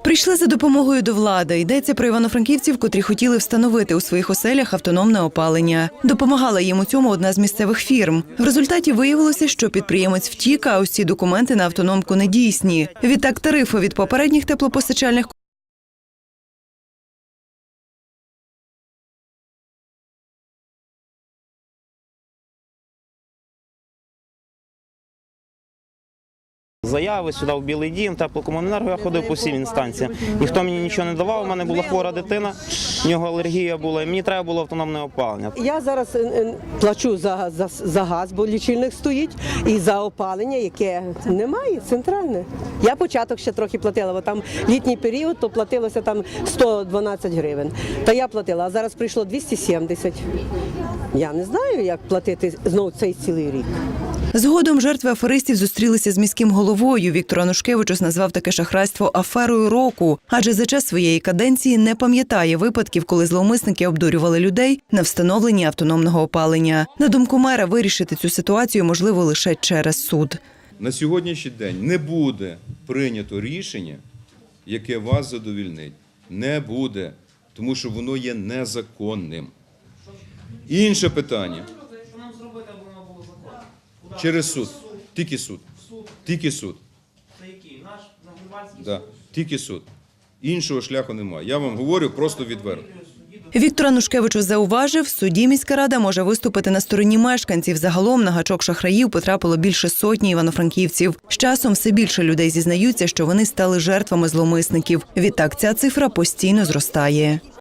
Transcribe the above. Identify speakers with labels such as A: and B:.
A: Прийшли за допомогою до влади. Йдеться про івано-франківців, котрі хотіли встановити у своїх оселях автономне опалення. Допомагала їм у цьому одна з місцевих фірм. В результаті виявилося, що підприємець втік, а усі документи на автономку недійсні. Відтак тарифи від попередніх теплопостачальних
B: Заяви сюди в Білий Дім, теплокомуненерго, я ходив по всім інстанціям. Ніхто мені нічого не давав, у мене була хвора дитина, в нього алергія була, і мені треба було автономне опалення.
C: Я зараз плачу за газ, бо лічильник стоїть, і за опалення, яке немає, центральне. Я початок ще трохи платила, бо там літній період, то платилося там 112 гривень. Та я платила, а зараз прийшло 270. Я не знаю, як платити знову цей цілий рік.
A: Згодом жертви аферистів зустрілися з міським головою. Віктор Анушкевичус назвав таке шахрайство аферою року, адже за час своєї каденції не пам'ятає випадків, коли зловмисники обдурювали людей на встановленні автономного опалення. На думку мера, вирішити цю ситуацію можливо лише через суд.
D: На сьогоднішній день не буде прийнято рішення, яке вас задовільнить. Не буде, тому що воно є незаконним. Інше питання. Через суд. Тільки суд. Тільки суд.
B: Це який? Наш Нагрівальський?
D: Да. Тільки суд. Іншого шляху немає. Я вам говорю просто відверто.
A: Віктор Анушкевичус зауважив, в суді міська рада може виступити на стороні мешканців. Загалом на гачок шахраїв потрапило більше сотні івано-франківців. З часом все більше людей зізнаються, що вони стали жертвами зловмисників. Відтак ця цифра постійно зростає.